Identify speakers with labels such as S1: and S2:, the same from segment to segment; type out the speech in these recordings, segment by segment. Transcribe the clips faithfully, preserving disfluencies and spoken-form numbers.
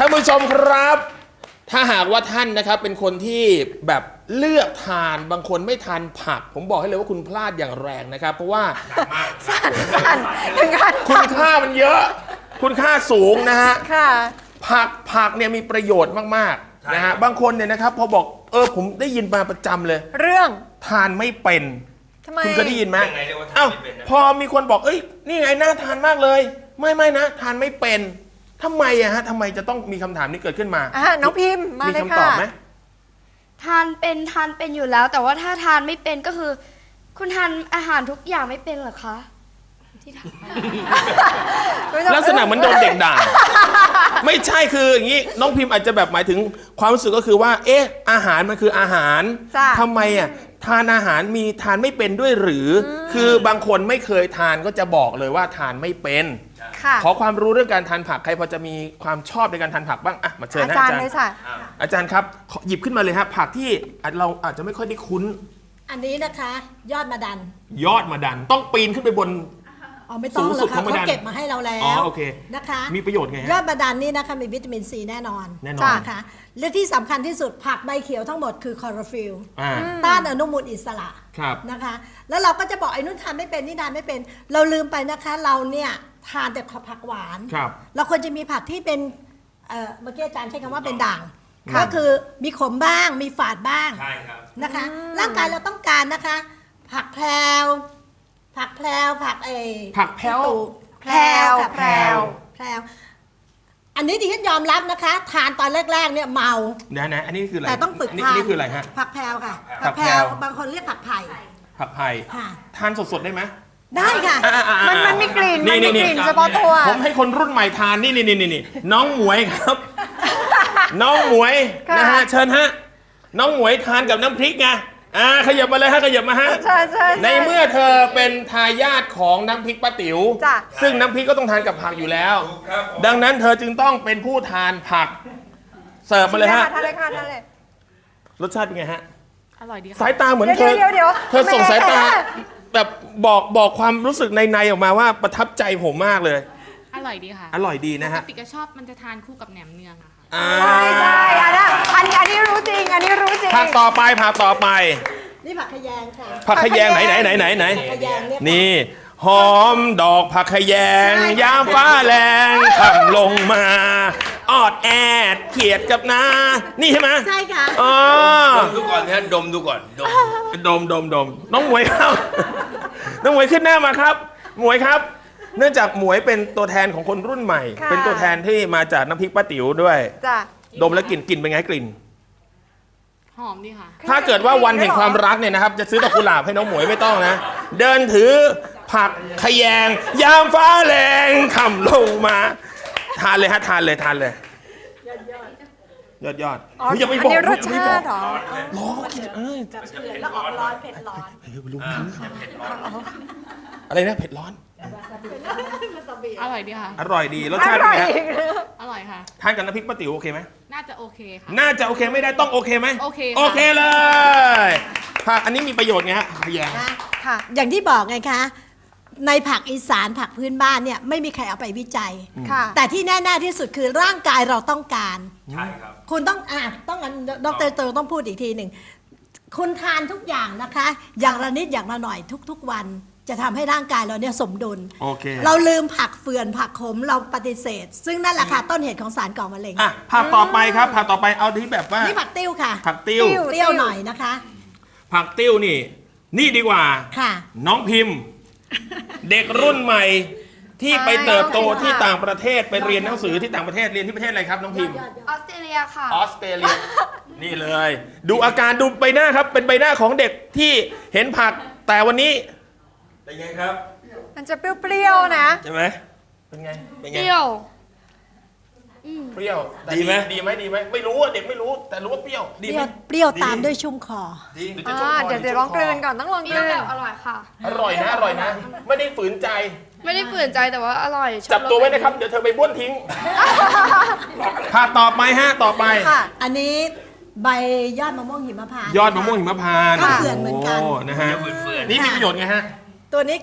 S1: านผู้ชมครับถ้าหากว่าท่านนะครับเป็นคนที่แบบเลือกทานบางคนไม่ทานผักผมบอกให้เลยว่าคุณพลาดอย่างแรงนะครับเพราะว่าคุณค่ามันเยอะคุณค่าสูงนะฮะผักผักเนี่ยมีประโยชน์มากๆนะฮะบางคนเนี่ยนะครับพอบอกเออผมได้ยินมาประจำเลย
S2: เรื่อง
S1: ทานไม่เป็นคุณเคยได้ยินไหมเอ้าพอมีคนบอกเอ้ยนี่ไงน่าทานมากเลยไม่ไม่นะทานไม่เป็นทำไมอะฮะทำไมจะต้องมีคำถามนี้เกิดขึ้นมา
S2: อ่ะน้องพิมพ์มาเลยค่ะมีคำตอบไหม
S3: ทานเป็นทานเป็นอยู่แล้วแต่ว่าถ้าทานไม่เป็นก็คือคุณทานอาหารทุกอย่างไม่เป็นเหรอคะที่ท
S1: ำลักษณะเหมือนโดนเด็กด่าไม่ใช่คืออย่างนี้น้องพิมพ์อาจจะแบบหมายถึงความรู้สึกก็คือว่าเอ๊ะอาหารมันคืออาหารทำไมอะทานอาหารมีทานไม่เป็นด้วยหรือคือบางคนไม่เคยทานก็จะบอกเลยว่าทานไม่เป็นขอความรู้เรื่องการทานผักใครพอจะมีความชอบในการทานผักบ้างอ่ะมาเชิญนะอาจารย์อาจารย์ครับหยิบขึ้นมาเลยครับผักที่เราอาจจะไม่ค่อยได้คุ้น
S4: อันนี้นะคะยอดมะดัน
S1: ยอดมะดันต้องปีนขึ้นไปบน
S4: อ๋อไม่ต้องหรอกค่ะเขาเก็บมาให้เราแล้วนะคะ
S1: มีประโยชน์ไง
S4: ยอดมะดันนี่นะคะมีวิตามินซีแน่นอน
S1: แน่นอน
S4: นะคะและที่สำคัญที่สุดผักใบเขียวทั้งหมดคือคลอโรฟิลล์ต้านอนุมูลอิสระนะคะแล้วเราก็จะบอกไอ้นุ่นทานไม่เป็นนี่ทานไม่เป็นเราลืมไปนะคะเราเนี่ยทานแต่ผักหวานเราควรจะมีผักที่เป็นเมื่อกี้อาจารย์ใช้คำว่าเป็นด่างก็คือมีขมบ้างมีฝาดบ้างนะคะร่างกายเราต้องการนะคะผักแพรวผักแพรวผักเอ
S1: ผักแพรว
S4: แพรวแพรวแพรวอันนี้ดิฉันยอมรับนะคะทานตอนแรกๆเนี่ยเมา
S1: นะนะอันนี้คืออะไร
S4: แต่ต้องฝึกทาน
S1: นี่คืออะไรฮะ
S4: ผักแพรวค่ะผักแพรวบางคนเรียกผักไผ่
S1: ผักไผ่ทานสดๆได้ไหม
S4: ได้ค่ะ
S2: มันมันมีกลิ่นมันมีกลิ่นเฉพาะตัว
S1: ผมให้คนรุ่นใหม่ทานนี่นี่นี่นี่น้องหมวยครับน้องหมวยนะฮะเชิญฮะน้องหมวยทานกับน้ำพริกไงอ่าขยับมาเลยฮะขยับมาฮะ
S2: ใช่ใช่
S1: ในเมื่อเธอเป็นทายาทของน้ำพริกป้าติ๋วซึ่งน้ำพริกก็ต้องทานกับผักอยู่แล้วดังนั้นเธอจึงต้องเป็นผู้ทานผักเสิร์ฟมาเลยฮะ
S2: ทานเลยค่ะทานเลย
S1: รสชาติเป็นไงฮะ
S2: อร่อยดี
S1: สายตาเหมือนเธอเธอส่งสายตาแบบบอกบอกความรู้สึกในในออกมาว่าประทับใจผมมากเลย
S5: อร่อยดีค่ะ
S1: อร่อยดีนะฮะ
S5: ปกติก็ชอบมันจะทานคู่กับแหนมเนืองอะค่ะ
S2: ใช่ใช่อันนี้อันนี้รู้จริงอันนี้รู้จริง
S1: ผักต่อไปผักต่อไป
S4: นี่ผักขยงค่ะ
S1: ผักขยงไหนไหนไหนไหนไหนนี่หอมดอกผักขยงยามฟ้าแรงขับลงมาออดแอดเขียดกับนานี่ใช่ไหม
S4: ใช่ค่ะ
S1: อ๋อ
S6: ดมดูก่อนนะดมดูก่อนดม
S1: ดมดมดมน้องหมวยครับน้องหมวยขึ้นหน้ามาครับหมวยครับเนื่องจากหมวยเป็นตัวแทนของคนรุ่นใหม่เป็นตัวแทนที่มาจากน้ำพริกป้าติ๋วด้วยดมแล้วกลิ่นกลิ่นเป็นไงกลิ่น
S5: หอมดีค่ะ
S1: ถ้าเกิดว่าวันแห่งความรักเนี่ยนะครับจะซื้อดอกกุหลาบให้น้องหมวยไม่ต้องนะเดินถือผักขยงยามฟ้าแรงค่ำลงมาทานเลยฮะทานเลยทานเลยยอดยอดยอด
S2: อย่าไปบอกรสชาติหรอ
S1: ร้อนเออ
S4: แล้วออกร้อนเผ็ดร้อน
S1: อะไรนะเผ็ดร้อน
S5: อร่อยดีค่ะ
S1: อร่อยดีรสชาติเป็นไง
S5: อร่อยค่ะ
S1: ทานกับน้ำพริกป้าติ๋วโอเคไหม
S5: น่าจะโอเคค่ะ
S1: น่าจะโอเคไม่ได้ต้องโอเคไหม
S5: โอเค
S1: โอเคเลยผักอันนี้มีประโยชน์ไงฮะขยง
S4: ค่ะอย่างที่บอกไงคะในผักอีสานผักพื้นบ้านเนี่ยไม่มีใครเอาไปวิจัยแต่ที่แน่ๆที่สุดคือร่างกายเราต้องการ
S6: ใช่ครับ
S4: คุณต้องอ่ะต้องดร.เตอร์ต้องพูดอีกทีหนึ่งคุณทานทุกอย่างนะคะอย่างละนิดอย่างละหน่อยทุกๆวันจะทำให้ร่างกายเราเนี่ยสมดุลเราลืมผักเฟื่อนผักขมเราปฏิเสธซึ่งนั่นแหละค่ะต้นเหตุของสารก่อมะเร็ง
S1: อ่ะผักต่อไปครับผักต่อไปเอาที่แบบว่า
S4: นี่ผักติ้วค่ะ
S1: ผักติ้ว
S4: เปรี้ยวหน่อยนะคะ
S1: ผักติ้วนี่นี่ดีกว่า
S4: ค่ะ
S1: น้องพิมพ์เด็กรุ่นใหม่ที่ไปเติบโตที่ต่างประเทศไปเรียนหนังสือที่ต่างประเทศเรียนที่ประเทศอะไรครับน้องพิมพ์
S3: ออสเตรเลียค่ะ
S1: ออสเตรเลียนี่เลยดูอาการดูใบหน้าครับเป็นใบหน้าของเด็กที่เห็นผักแต่วันนี้
S6: เป็นไงครับ
S2: มันจะเปรี้ยวๆนะ
S1: ใช่ไหมเป็นไง
S3: เปรี้ยว
S1: เปรี้ยวดีไหมดีไหมดีไหมไม่รู้อ่ะเด็กไม่รู้แต่รู้ว่าเปรี้ยวดีไหม
S4: เปรี้ยวตามด้วยชุ่มคอ
S1: ดี
S2: เดี๋ยวเดี๋ยวลองกลืนก่อนต้องลองกลืน
S3: อร่อยค่ะ
S1: อร่อยนะอร่อยนะไม่ได้ฝืนใจ
S3: ไม่ได้ฝืนใจแต่ว่าอร่อย
S1: จับตัวไว้นะครับเดี๋ยวเธอไปบ้วนทิ้งค่ะต่อไปฮะต่อไป
S4: อันนี้ใบยอดมะม่วงหิมพานต์
S1: ยอดมะม่วงหิมพานต์
S4: ก็เฟื่อนเหมือนกัน
S1: นะฮะนี่มีประโยชน์ไงฮะ
S4: ตัวนี้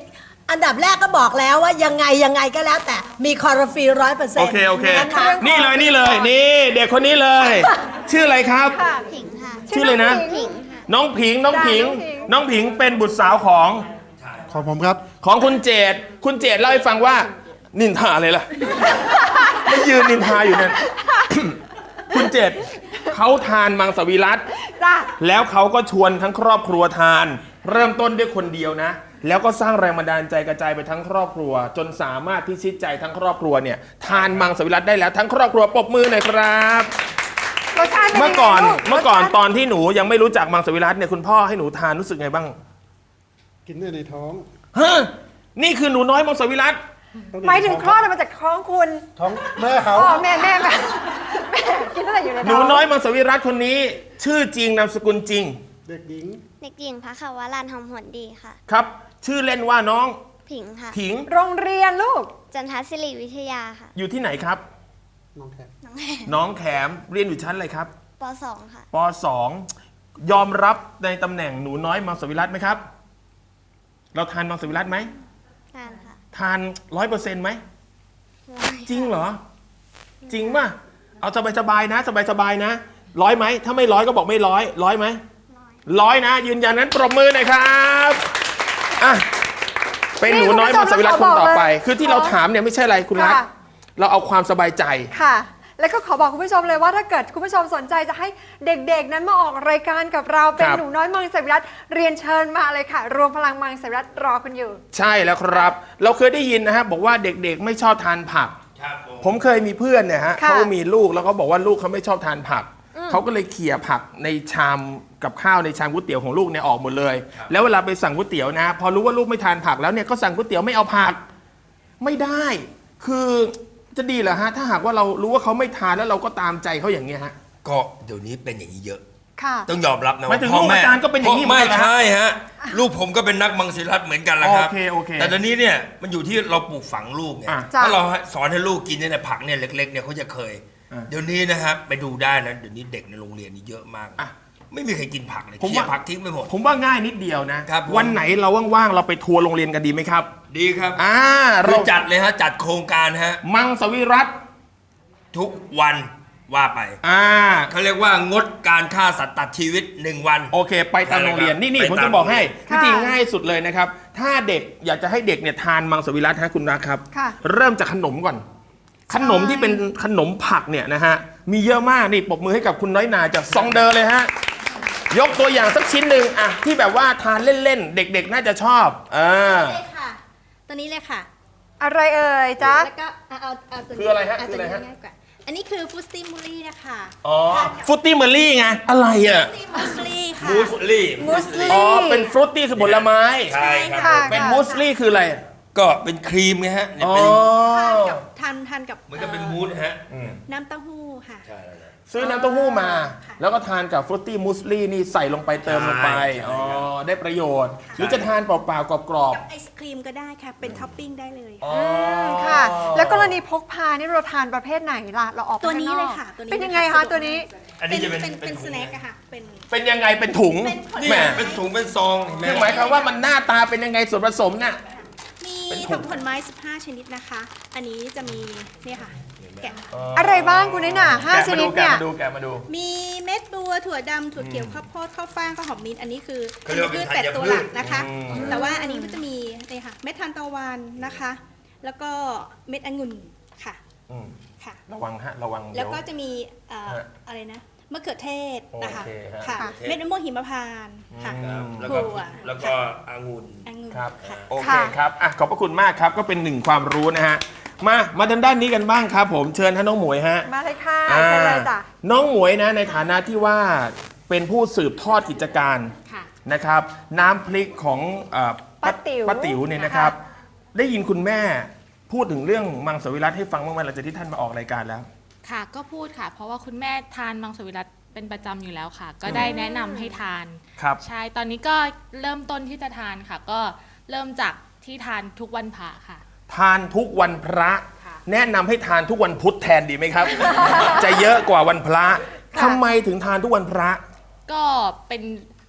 S4: อันดับแรกก็บอกแล้วว่ายังไงยังไงก็แล้วแต่มีคลอโรฟิลร้อยเปอร์เซ็น
S1: โอ
S4: ต์
S1: เคโอเค
S4: นะคะ
S1: นี่เลยนี่เลยนี่เด็กคนนี้เลย ชื่ออะไรครับ
S3: ผิงค่ะ
S1: ชื่ออะไรนะ
S3: ผิงค่ะ
S1: น้องผิงน้องผิง
S2: จ้ะน้
S1: น้อ
S2: อง งผิ
S1: ผิง
S2: ง
S1: เป็นบุตรสาวของ
S7: ของผมครับ
S1: ของคุณเจดคุณเจดเล่าให้ฟังว่า นินทาอะไรล่ะ ไม่ยืนนินทาอยู่นั่น คุณเจดเขาทานมังสวิรัติ
S2: จ้ะ
S1: แล้วเขาก็ชวนทั้งครอบครัวทาน เริ่มต้นด้วยคนเดียวนะ แล้วก็สร้างแรงบันดาลใจกระจายไปทั้งครอบครัว จนสามารถพิชิตใจทั้งครอบครัวเนี่ยทานมังสวิรัติได้แล้วทั้งครอบครัวปรบมือหน่อยครับ
S2: รสชาติป็
S1: เมื่อก่อน
S2: ยังไงลู
S1: เมื่อก่อน
S2: รสชาติ
S1: ตอนที่หนูยังไม่รู้จักมังสวิรัติเนี่ยคุณพ่อให้หนูทานรู้สึกไงบ้าง
S7: กินได้ในท้อง
S1: ฮะนี่คือหนูน้อยมังสวิรัติ
S2: หมายถึงคลอดออกมาจากท้องคุณ
S7: ท้องแม่เขา
S2: อ๋อแม่แม่แม่แม่กินตั้งแต่อยู่ใน
S1: ห
S2: ท้
S1: นู
S2: อง
S1: น้อยมังสวิรัติคนนี้ ชื่อจริงนามสกุลจริง
S7: เด็กหญิง
S3: เด็กหญิงพระขาวรันหอมหวนดีค่ะ
S1: ครับ ชื่อเล่นว่าน้อง
S3: ผิงค่ะ
S1: ผิง
S2: โรงเรียนลูก
S3: จันทศิริวิทยาค่ะ
S1: อยู่ที่ไหนครับ
S7: น้องแคท
S3: น้องแม่
S1: น้องแขมเรียนอยู่ชั้นอะไรครับ
S3: ปสองค่ะ
S1: ปสองยอมรับในตำแหน่งหนูน้อยมังสวิรัติไหมครับ เราทานมังสวิรัติไหม
S3: งานค่ะ
S1: ทานร้อยเปอร์เซ็นต์ไหมจริงเหรอ จริงป่ะเอาสบายๆนะสบายๆนะร้อยไหมถ้าไม่ร้อยก็บอกไม่ร้อยร้อยไหมร้อยนะ ยืนยันนั้นปรบมือหน่อยครับอ่ะเป็นหนูน้อยมังสวิรัติคนต่อไป คือที่เราถามเนี่ยไม่ใช่อะไรคุณรัก
S2: ค่ะ
S1: เราเอาความสบายใจ
S2: ค่ะ แล้วก็ขอบอกคุณผู้ชมเลยว่าถ้าเกิดคุณผู้ชมสนใจจะให้เด็กๆ นั้นมาออกรายการกับเราเป็น
S1: ครับ
S2: หนูน้อยมังสวิรัติเรียนเชิญมาเลยค่ะ รวมพลังมังสวิรัติรอคุณอยู่
S1: ใช่แล้วครับ เราเคยได้ยินนะฮะบอกว่าเด็กๆไม่ชอบทานผัก
S6: ครับผม
S1: ผมเคยมีเพื่อนเนี่ยฮะ
S2: ค่ะ
S1: เขามีลูกแล้วก็บอกว่าลูกเขาไม่ชอบทานผัก เขาก็เลยเขี่ยผักในชามกับข้าวในชามก๋วยเตี๋ยวของลูกเนี่ยออกหมดเลย แล้วเวลาไปสั่งก๋วยเตี๋ยวนะ พอรู้ว่าลูกไม่ทานผักแล้วเนี่ยก็สั่งก๋วยเตี๋ยวไม่เอาผัก ไม่ได้ คือจะดีเหรอฮะถ้าหากว่าเรารู้ว่าเขาไม่ทานแล้วเราก็ตามใจเขาอย่างเงี้ยฮะ
S6: ก็เดี๋ยวนี้เป็นอย่างนี้เยอะ
S2: ค่ะ
S6: ต้องยอมรับนะ
S1: หมายถึง
S6: พ่อ
S1: ลูก
S6: แม่
S1: อาจารย์ก็เป็นอย่างนี้เหมือน
S6: ไม่
S1: กันนะ
S6: ใช่ฮะ ลูกผมก็เป็นนักมังสวิรัติเหมือนกันแหละครับ
S1: โอเคโอเค
S6: แต่ตอนนี้เนี่ยมันอยู่ที่เราปลูกฝังลูกไง
S1: อ่ะ
S2: จ้ะ
S6: ถ้าเราสอนให้ลูกกินเนี่ยผักเนี่ยเล็กๆเนี่ยเขาจะเคย
S1: อ่ะ
S6: เดี๋ยวนี้นะครับไปดูได้นะเดี๋ยวนี้เด็กในโรงเรียนนี่เยอะมาก
S1: อ่ะ
S6: ไม่มีใครกินผักเลย
S1: ผม
S6: เคี่ย
S1: ว่า
S6: ผักทิ้งไปหมด
S1: ผมว่าง่ายนิดเดียวนะ
S6: ครับผม
S1: วันไหนเราว่างๆเราไปทัวร์โรงเรียนกันดีไหมครับ
S6: ดีครับ
S1: อ่า
S6: เรา
S1: เรา
S6: จัดเลยฮะจัดโครงการฮะ
S1: มังสวิรัติ
S6: ทุกวันว่าไป
S1: อ่า
S6: เขาเรียกว่างดการฆ่าสัตว์ตัดชีวิตหนึ่งวัน
S1: โอเค ไปตามโรงเรียนนี่นี่
S6: ไป
S1: ผม
S6: ตาม
S1: จะบอกให้
S2: ค่ะ
S1: วิธีง่ายสุดเลยนะครับ ถ้าเด็กอยากจะให้เด็กเนี่ยทานมังสวิรัติฮะคุณรักครับ
S2: ค่ะ
S1: เริ่มจากขนมก่อน ขนมที่เป็นขนมผักเนี่ยนะฮะมีเยอะมากนี่ปรบมือให้กับคุณน้อยนาจากซองเดอร์เลยฮะยกตัวอย่างสักชิ้นหนึ่งอะที่แบบว่าทานเล่นๆ เด็กๆ น่าจะชอบเออ
S8: เลยค่ะ ตัวนี้เลยค่ะ
S2: อะไรเอ่ยจ๊ะ
S8: แล้วก็เอาเอาเอาตัวนี้
S1: คืออะไรฮะ
S8: เา
S1: คือ
S8: ตัว
S1: อะไร
S8: นี้
S1: ฮะ
S8: ง่ายกว่าอันนี้คือฟุตตี้มูลี่นะคะ
S1: อ๋อฟรุตตี้เมอร์รี่ไงอะไรอ่ะ
S8: ฟุตตี้มูสลี่ค่ะ
S6: มูสลี่
S2: มูสลี่
S1: อ๋อเป็นฟรุตตี้คือผลไม้
S6: ใช่ครับ
S2: ค่ะ
S1: เป็นมูสลี่คืออะไร
S6: ก็เป็นครีมไงฮะเนี่ย
S1: อ๋อ
S6: เป็น
S8: ทานกับทานทานกับ
S6: เหมือนกับเป็นมูสฮะ
S8: น้ำเต้าหู้ค่ะ
S6: ใช่แล้วนะ
S1: ซื้อน้ำเต้าหู้มา
S8: ค่ะ
S1: แล้วก็ทานกับฟรุตตี้มูสลี่นี่ใส่ลงไปเติมลงไป
S6: ใช่
S1: อ๋อได้ประโยชน์ หรือจะทานเปล่าๆกรอบ
S8: กับไอศครีมก็ได้ค่ะ เป็นท็อปปิ้งได้เลย
S1: ๆอ๋อ
S2: ค่ะ แล้วกรณีพกพานี่เราทานประเภทไหนล่ะ เราออกไป
S8: ตัวนี้
S2: ข้าง
S8: เล
S2: อย ก
S8: ค่ะตัวนี้
S2: เป็นยังไง
S8: เลย
S2: คะ
S8: ค่ะ
S2: ตัวนี้
S6: อัน
S8: เป็
S6: นี้
S8: น
S6: จะเป็น
S8: เป็นเป็น
S6: ถุ
S8: ส
S6: ง
S8: แน็คอะค่ะ เป็น
S1: เป็นยังไงเป็นถุง
S8: เป็นผล
S6: นี่
S1: แหม
S6: เป็นถุงเป็นซองเห็นไหม
S1: คือหมายความว่ามันหน้าตาเป็นยังไงส่วนผสมน่ะ
S8: มี
S1: เป็นถุง
S8: ผักผลไม้ สิบห้า ชนิดนะคะ อันนี้จะมีเนี่ยค่ะ แกะ
S2: อะไรบ้างคุณนี่น่ะห้า
S1: แกะ
S2: ช
S1: มา
S2: นิ
S1: ดู
S2: ด
S1: แกะ
S2: เนี่ย
S1: มาดูแกะมาดู
S8: มีเม็ดบัวถั่วดำถั่วเขียวข้าวโพดข้าวฟ่างข้าวหอมมิ้นท์อันนี้คือ
S6: เขาเรียกว่าเป็น
S8: พืชแปด
S6: ธัญ
S8: ตัว
S6: พื
S8: หลั
S6: ช
S8: กนะคะ
S1: อืม
S8: แต่ว่าอันนี้ก็จะมีเนี่ยค่ะเม็ดทานตะวันนะคะ แล้วก็เม็ดองุ่นค่ะ
S1: อืม
S8: ค่ะ
S1: ระวังฮะระวัง
S8: แล้
S1: เดี๋ยว ว
S8: ก็จะมีเอ่อ
S1: ฮะ
S8: อะไรนะมะเขือเทศนะคะ
S1: โอเคฮะ
S8: ค่ะ
S2: ค่ะ
S8: เม็ดมะม่วงหิมพานต์ค่ะ
S1: อืม
S6: แล้วก็
S8: ถั่ว
S6: แล้วก็องุ่น
S8: องุ่น
S1: ครับ
S8: ค่ะ
S1: โอเค
S2: ค่ะ
S1: ครับอ่ะขอบพระคุณมากครับก็เป็นหนึ่งความรู้นะฮะมามาทางด้านนี้กันบ้างครับผมเชิญท่านน้องหมวยฮะ
S2: มาเลยค่ะ
S1: อ่า
S2: เชิญเลยจ้ะ
S1: น้องหมวยนะในฐานะที่ว่าเป็นผู้สืบทอดกิจการ
S5: ค่ะ
S1: นะครับ น้ำพริกของเอ่อ
S2: ป้าติ๋ว
S1: ป้าติ๋วเนี่ยนะครับ ได้ยินคุณแม่พูดถึงเรื่องมังสวิรัติให้ฟังบ้างไหมหลังจากที่ท่านมาออกรายการแล้ว
S5: ค่ะ ก็พูดค่ะ เพราะว่าคุณแม่ทานมังสวิรัติเป็นประจำอยู่แล้วค่ะ ก็ได้แนะนำให้ทาน
S1: ครับ
S5: ใช่ ตอนนี้ก็เริ่มต้นที่จะทานค่ะ ก็เริ่มจากที่ทานทุกวันพระค่ะ
S1: ทานทุกวันพระ
S5: ค่ะ
S1: แนะนำให้ทานทุกวันพุธแทนดีไหมครับ จะเยอะกว่าวันพระทำไมถึงทานทุกวันพระ
S5: ก็เป็น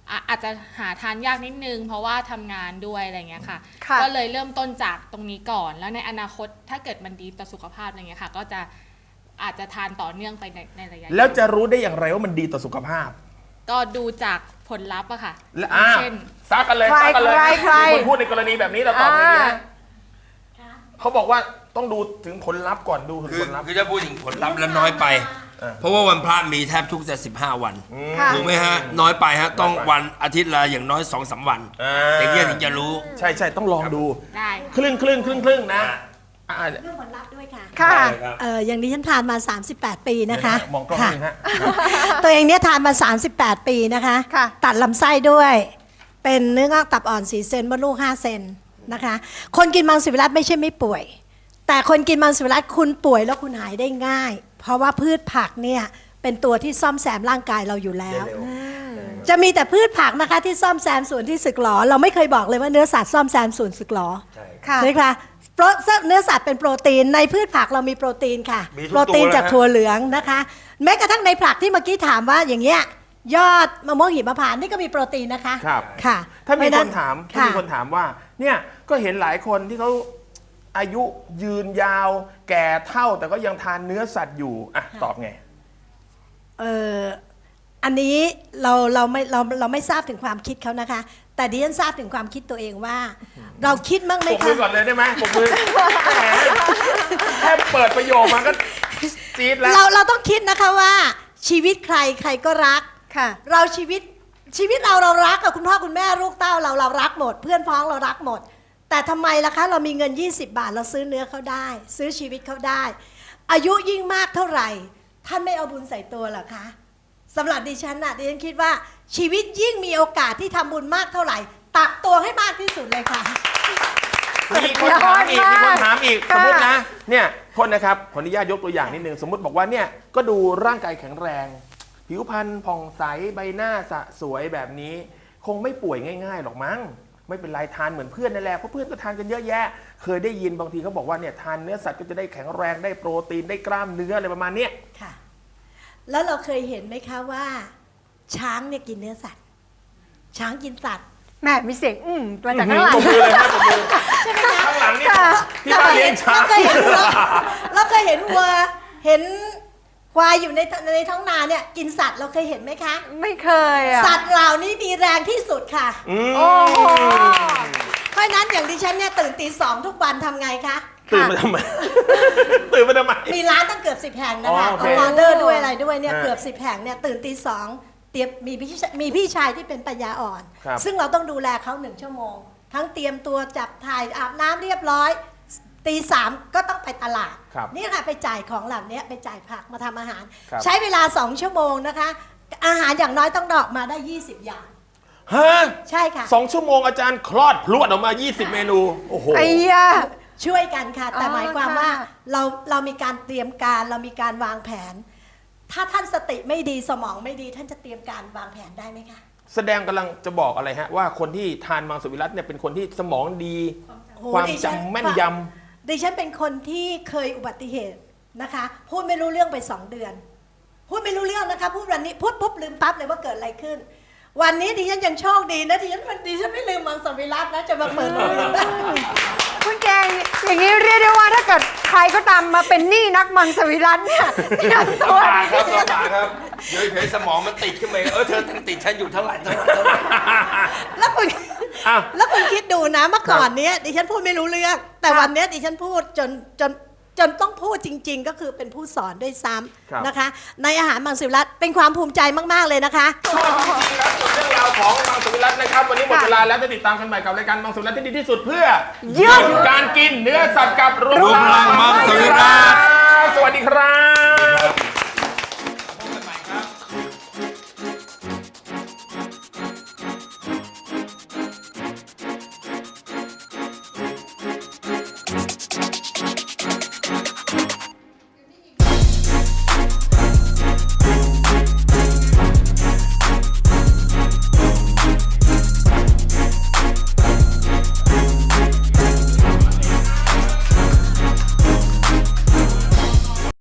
S5: อ่ะอาจจะหาทานยากนิดนึงเพราะว่าทำงานด้วยอะไรเงี้ยค่ะ
S2: ค่ะ
S5: ก็เลยเริ่มต้นจากตรงนี้ก่อน แล้วในอนาคตถ้าเกิดมันดีต่อสุขภาพอะไรเงี้ยค่ะก็จะอาจจะทานต่อเนื่องไปในในระยะยาว
S1: แล้วจะรู้ได้อย่างไรว่ามันดีต่อสุขภาพ
S5: ก็ดูจากผลลัพธ์อะค่ะ
S1: และอ่า
S5: เช่น
S1: ซักกันเลย
S2: ใคร
S1: ซักกันเลย
S2: ใครใคร
S1: มีคนพูดในกรณีแบบนี้เราตอบไม่ดี
S2: อ่า
S1: นะเขาบอกว่าต้องดูถึงผลลัพธ์ก่อนดูถึง
S6: คือ
S1: ผลลัพธ์
S6: คือจะพูดถึงผลลัพธ์แล้วน้อยไป
S1: อ่า
S6: เพราะว่าวันพระมีแทบทุกจะสิบห้าวัน
S2: ค่ะ
S6: ถูกไหมฮะ น้อยไปฮะ ต้อง
S1: น้อยไป
S6: วันอาทิตย์ละอย่างน้อยสองสามวัน
S1: อ่า
S6: อย่างเงี้ยถึงจะรู้
S1: ใช่ใช่ต้องลองดู
S5: ได้
S1: ครึ่งครึ่งครึ่งครึ่งนะอ่า
S4: เรื่องผลลัพธ์ด้วยค่ะ
S2: ค่ะ
S4: เอออย่างนี้ฉันทานมา สามสิบแปด ปีนะคะ
S1: มองกล้อง
S4: ค่ะ
S1: นิดนึงฮะ
S4: ตัวเองเนี่ยทานมา สามสิบแปด ปีนะคะ
S2: ค่ะ
S4: ตัดลำไส้ด้วย เป็นเนื้องอกตับอ่อนสี่เซนมดลูกห้าเซนนะคะ คนกินมังสวิรัติไม่ใช่ไม่ป่วย แต่คนกินมังสวิรัติคุณป่วยแล้วคุณหายได้ง่าย เพราะว่าพืชผักเนี่ยเป็นตัวที่ซ่อมแซมร่างกายเราอยู่แล้ว จะมีแต่พืชผักนะคะที่ซ่อมแซมส่วนที่สึกหรอ เราไม่เคยบอกเลยว่าเนื้อสัตว์ซ่อมแซมส่วนสึกหรอ
S2: ค่ะ
S4: ใช่ไหมคะโปรเนื้อสัตว์เป็นโปรตีนในพืชผักเรามีโปรตีนค่ะ
S6: มีทุก
S4: โปรตีน
S6: ตัวเลย
S4: จาก
S6: ฮะ
S4: ถั่วเหลืองนะคะ แม้กระทั่งในผักที่เมื่อกี้ถามว่าอย่างเงี้ยยอดมะม่วงหิมพานต์นี่ก็มีโปรตีนนะคะ
S1: ครับ
S4: ค่ะ
S1: ถ้ามี
S4: เพระ
S1: ค
S4: ฉะ
S1: นถามถ้า
S4: ค่ะ
S1: มีคนถามว่า เนี่ยก็เห็นหลายคนที่เขาอายุยืนยาว แก่เท่าแต่ก็ยังทานเนื้อสัตว์อยู่อ่ะตอบไง
S4: เอออันนี้เราเราไม่เราเราไม่ทราบถึงความคิดเขานะคะ แต่ดิฉันทราบถึงความคิดตัวเองว่า เราคิดมั้งไหม
S1: ปกมื
S4: คะ
S1: อก่อนเลยได้ไหมปกมือแหมแค่เปิดประโยคมาก็จี๊ดแล้ว
S4: เราเราต้องคิดนะคะว่าชีวิตใครใครก็รัก
S2: ค่ะ
S4: เราชีวิตชีวิตเราเรารักกับคุณพ่อคุณแม่ลูกเต้าเราเรารักหมด เพื่อนพ้องเรารักหมด แต่ทำไมล่ะคะเรามีเงินยี่สิบบาทเราซื้อเนื้อเขาได้ ซื้อชีวิตเขาได้ อายุยิ่งมากเท่าไหร่ ท่านไม่เอาบุญใส่ตัวเหรอคะสำหรับดิฉันน่ะดิฉันคิดว่าชีวิตยิ่งมีโอกาสที่ทำบุญมากเท่าไหร่ ตักตัวให้มากที่สุดเลยค่ะ
S1: มีคนถามอีก มีคนถามอีก ส
S2: ค่ะ
S1: มมตินะ เนี่ยโทษนะครับ ขออนุญาตยกตัวอย่างนิดนึง สมมติบอกว่าเนี่ย ก็ดูร่างกายแข็งแรง ผิวพรรณผ่องใส ใบหน้าสะสวยแบบนี้ คงไม่ป่วยง่ายๆหรอกมั้ง ไม่เป็นไรทานเหมือนเพื่อนนั่นแหละ เพราะเพื่อนก็ทานกันเยอะแยะ เคยได้ยินบางทีเขาบอกว่าเนี่ยทานเนื้อสัตว์ก็จะได้แข็งแรง ได้โปรตีน ได้กล้ามเนื้ออะไรประมาณเนี้ย
S4: ค่ะ แล้วเราเคยเห็นไหมคะว่า ช้างเนี่ยกินเนื้อสัตว์ ช้างกินสัตว์
S2: แม่มีเสียงอืมมาจากข้างหลัง
S1: ปรบมือเลยครับปรบมือข้างหลังนี่ที่บ้านเลี้ยงช้าง
S4: เราเคยเห็นวัวเราเคยเห็นวัวเห็นควายอยู่ในในท้องนาเนี่ยกินสัตว์เราเคยเห็นไหมคะ
S2: ไม่เคยอ่ะ
S4: สัตว์เหล่านี้มีแรงที่สุดค่ะ
S2: โอ้โห
S4: เพราะฉะนั้นอย่างดิฉันเนี่ยตื่นตีสองทุกวันทำไงคะ
S1: ตื่นมาทำไม ตื่นมาทำไม
S4: มีร้านตั้งเกือบสิบแห่งนะคะ
S1: อ๋อโอเค
S4: เอาออเดอร์ด้วยอะไรด้วยเนี่ย
S1: อ่า
S4: เกือบสิบแห่งเนี่ยตื่นตีสองเตรียมมีพี่มีพี่ชายที่เป็นปัญญาอ่อน
S1: ครับ
S4: ซึ่งเราต้องดูแลเขาหนึ่งชั่วโมง ทั้งเตรียมตัวจับถ่ายอาบน้ำเรียบร้อยตีสามก็ต้องไปตลาด
S1: ครับ
S4: นี่ค่ะไปจ่ายของเหล่านี้ไปจ่ายผักมาทำอาหาร
S1: ครับ
S4: ใช้เวลาสองชั่วโมงนะคะ อาหารอย่างน้อยต้องดอกมาได้ยี่สิบอย่าง
S1: ฮะ
S4: ใช่ค่ะ
S1: สองชั่วโมงอาจารย์คลอดพรวดออกมา ยี่สิบ เมนู โอ้โห
S2: ไอ้ยา
S4: ช่วยกันค่ะ แต่
S2: อ๋อ
S4: หมายความ
S2: ค่ะ
S4: ว่าเราเรามีการเตรียมการเรามีการวางแผน ถ้าท่านสติไม่ดีสมองไม่ดีท่านจะเตรียมการวางแผนได้ไหมคะ
S1: แสดงกำลังจะบอกอะไรฮะ ว่าคนที่ทานมังสวิรัติเนี่ยเป็นคนที่สมองดี
S4: โอ้โห
S1: ความ
S4: ดิฉัน
S1: จำแม่นย
S4: ดิฉันเป็นคนที่เคยอุบัติเหตุนะคะ พูดไม่รู้เรื่องไปสองเดือน พูดไม่รู้เรื่องนะคะ พูดวันนี้พูดปุ๊บลืมปั๊บเลยว่าเกิดอะไรขึ้น วันนี้ดิฉันยังโชคดีนะดิฉันดิฉันไม่ลืมมังสวิรัตินะจะมาเปิดโรงเรียนได้
S2: คุณแกงอย่างนี้เรียกได้ว่าถ้าเกิดใครก็ตามมาเป็นหนี้นักมังสวิรัติเนี่ยเตรียม
S6: ลำ
S2: ตัว
S6: บากครับลำบากครับเดี๋ยวเฉยๆสมองมันติดขึ้นมาเออเธอติดฉันอยู่เท่าไหร่เท่าไหร่เท่าไหร่
S4: แล้วคุณ
S1: อ้าว
S4: แล้วคุณคิดดูนะเมื่อก่อนเนี้ยดิฉันพูดไม่รู้เรื่อง แต่วันเนี้ยดิฉันพูดจนจนจนต้องพูดจริง ๆ ก็คือเป็นผู้สอนด้วยซ้
S1: ครับ
S4: ำนะคะ ในอาหารมังสวิรัติเป็นความภูมิใจมากๆเลยนะคะ
S1: ำชอบจริงๆครับส่วนเรื่องราวของมังสวิรัตินะครับ วันนี้หมดเวลาแล้วจะติดตามกันใหม่กับรายการมังสวิรัติที่ดีที่สุดเพื่อหยุดการกินเนื้อสัตว์กับรุ
S6: รุมพลังมังสวิรัติ
S1: สวัสดีครับ